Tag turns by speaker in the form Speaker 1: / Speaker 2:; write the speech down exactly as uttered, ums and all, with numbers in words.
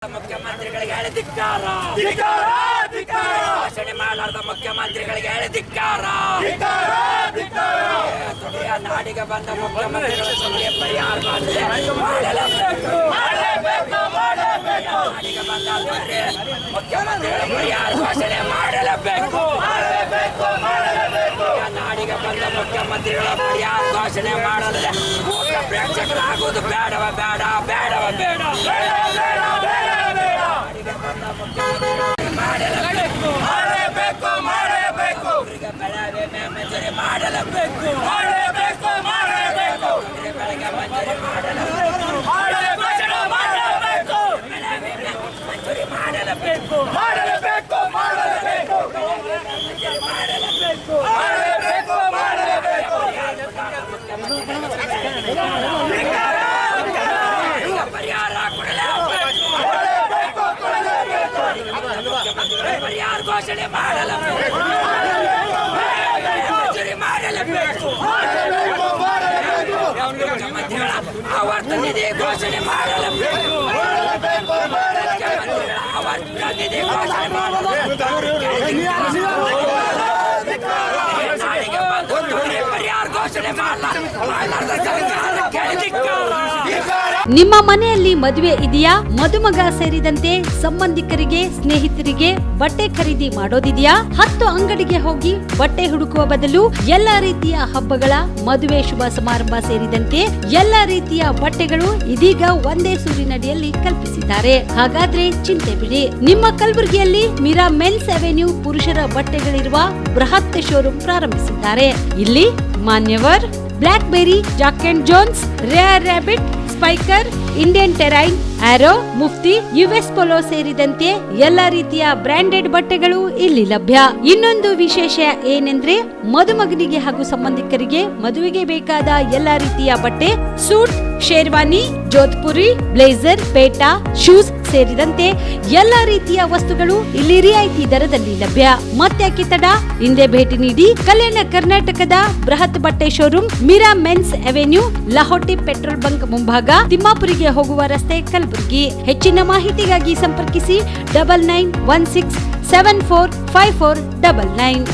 Speaker 1: ಮುಖ್ಯಮಂತ್ರಿಗಳಿಗೆ ಹೇಳಿ ಧಿಕ್ಕಾರ, ಘೋಷಣೆ ಮಾಡಲಾರದ ಮುಖ್ಯಮಂತ್ರಿಗಳಿಗೆ ಹೇಳಿ ಧಿಕ್ಕಾರ. ತುಡಿಯ ನಾಡಿಗೆ ಬಂದ ಮುಖ್ಯಮಂತ್ರಿಗಳ ಸುಳ್ಳಿಗೆ ಪರಿಹಾರ ಮಾಡಲೇಬೇಕು. ನಾಡಿಗೆ ಬಂದ ಮುಖ್ಯಮಂತ್ರಿಗಳ ಪರಿಹಾರ ಘೋಷಣೆ ಮಾಡಲೇಬೇಕು. ನಾಡಿಗೆ ಬಂದ ಮುಖ್ಯಮಂತ್ರಿಗಳ ಪರಿಹಾರ ಘೋಷಣೆ ಮಾಡಲಿದೆ ಪ್ರೇಕ್ಷಕರಾಗುವುದು ಬೇಡವ ಬೇಡ ಬೇಡವ ಬೇಡ ಮಾಡಲೇಬೇಕು ಮಾಡಲೇಬೇಕು ಮಾಡಲೇಬೇಕು ಬೆಳಗ್ಗೆ ಮಂಜೂರಿ ಮಾಡಲೇಬೇಕು ಮಾಡಲೇಬೇಕು ಮಾಡಲೇಬೇಕು ಬೆಳಗ್ಗೆ ಮಂಜೂರಿ ಮಾಡಲೇಬೇಕು ಮಾಡಲೇಬೇಕು ಮಂಜೂರಿ ಮಾಡಲೇಬೇಕು ಮಾಡಲೇಬೇಕು ಮಾಡಲೇಬೇಕು ಮಾಡಲೇಬೇಕು ಮಾಡಲೇಬೇಕು ಮಾಡಲೇಬೇಕು ಪರಿಹಾರ ಕೊಡಲೇಬೇಕು ಪರಿಹಾರ ಘೋಷಣೆ ಮಾಡಲೇಬೇಕು ಮಂಜೂರಿ ಮಾಡಲೇಬೇಕು ಮುಖ್ಯಮಂತ್ರಿಗಳ ಆವರ್ತ ನಿಧಿ ಘೋಷಣೆ ಮಾಡಲೇಬೇಕು ಮುಖ್ಯಮಂತ್ರಿಗಳ ಆವರ್ತ ನಿಧಿ ಘೋಷಣೆ ನಾಡಿಗೆ ಬಂದು ಪರಿಹಾರ ಘೋಷಣೆ ಮಾಡಲಾರದ ಸರ್ಕಾರ ಕೇಳಿದಿಕ್ಕಾರ.
Speaker 2: ನಿಮ್ಮ ಮನೆಯಲ್ಲಿ ಮದುವೆ ಇದೆಯಾ? ಮದುಮಗ ಸೇರಿದಂತೆ ಸಂಬಂಧಿಕರಿಗೆ ಸ್ನೇಹಿತರಿಗೆ ಬಟ್ಟೆ ಖರೀದಿ ಮಾಡೋದಿದೆಯಾ? ಹತ್ತು ಅಂಗಡಿಗೆ ಹೋಗಿ ಬಟ್ಟೆ ಹುಡುಕುವ ಬದಲು ಎಲ್ಲಾ ರೀತಿಯ ಹಬ್ಬಗಳ ಮದುವೆ ಶುಭ ಸಮಾರಂಭ ಸೇರಿದಂತೆ ಎಲ್ಲಾ ರೀತಿಯ ಬಟ್ಟೆಗಳು ಇದೀಗ ಒಂದೇ ಸೂರಿನಡಿಯಲ್ಲಿ ಕಲ್ಪಿಸಿದ್ದಾರೆ. ಹಾಗಾದ್ರೆ ಚಿಂತೆ ಬಿಡಿ, ನಿಮ್ಮ ಕಲಬುರಗಿಯಲ್ಲಿ ಮೀರಾ ಮೆನ್ಸ್ ಅವೆನ್ಯೂ ಪುರುಷರ ಬಟ್ಟೆಗಳಿರುವ ಬೃಹತ್ ಶೋರೂಮ್ ಪ್ರಾರಂಭಿಸಿದ್ದಾರೆ. ಇಲ್ಲಿ Manyavar, Blackberry, Jack and Jones, Rare Rabbit, Spykar, Indian Terrain, Arrow, Mufti, US Polo ಸೇರಿದಂತೆ ಎಲ್ಲಾ ರೀತಿಯ ಬ್ರಾಂಡೆಡ್ ಬಟ್ಟೆಗಳು ಇಲ್ಲಿ ಲಭ್ಯ. ಇನ್ನೊಂದು ವಿಶೇಷ ಏನೆಂದ್ರೆ ಮದುಮಗನಿಗೆ ಹಾಗೂ ಸಂಬಂಧಿಕರಿಗೆ ಮದುವೆಗೆ ಬೇಕಾದ ಎಲ್ಲಾ ರೀತಿಯ ಬಟ್ಟೆ, ಸೂಟ್, ಶೇರ್ವಾನಿ, ಜೋಧ್ಪುರಿ, ಬ್ಲೇಸರ್, ಪೇಟಾ, ಶೂಸ್ ಸೇರಿದಂತೆ ಎಲ್ಲಾ ರೀತಿಯ ವಸ್ತುಗಳು ಇಲ್ಲಿ ರಿಯಾಯಿತಿ ದರದಲ್ಲಿ ಲಭ್ಯ. ಮತ್ತ್ಯಾಕೆ ತಡ, ಹಿಂದೆ ಭೇಟಿ ನೀಡಿ. ಕಲ್ಯಾಣ ಕರ್ನಾಟಕದ ಬೃಹತ್ ಬಟ್ಟೆ showroom Meera men's avenue, Lahoti petrol bunk ಮುಂಭಾಗ, ತಿಮ್ಮಾಪುರಿಗೆ ಹೋಗುವ ರಸ್ತೆ, ಕಲಬುರಗಿ. ಹೆಚ್ಚಿನ ಮಾಹಿತಿಗಾಗಿ ಸಂಪರ್ಕಿಸಿ double nine one six seven four five four double nine.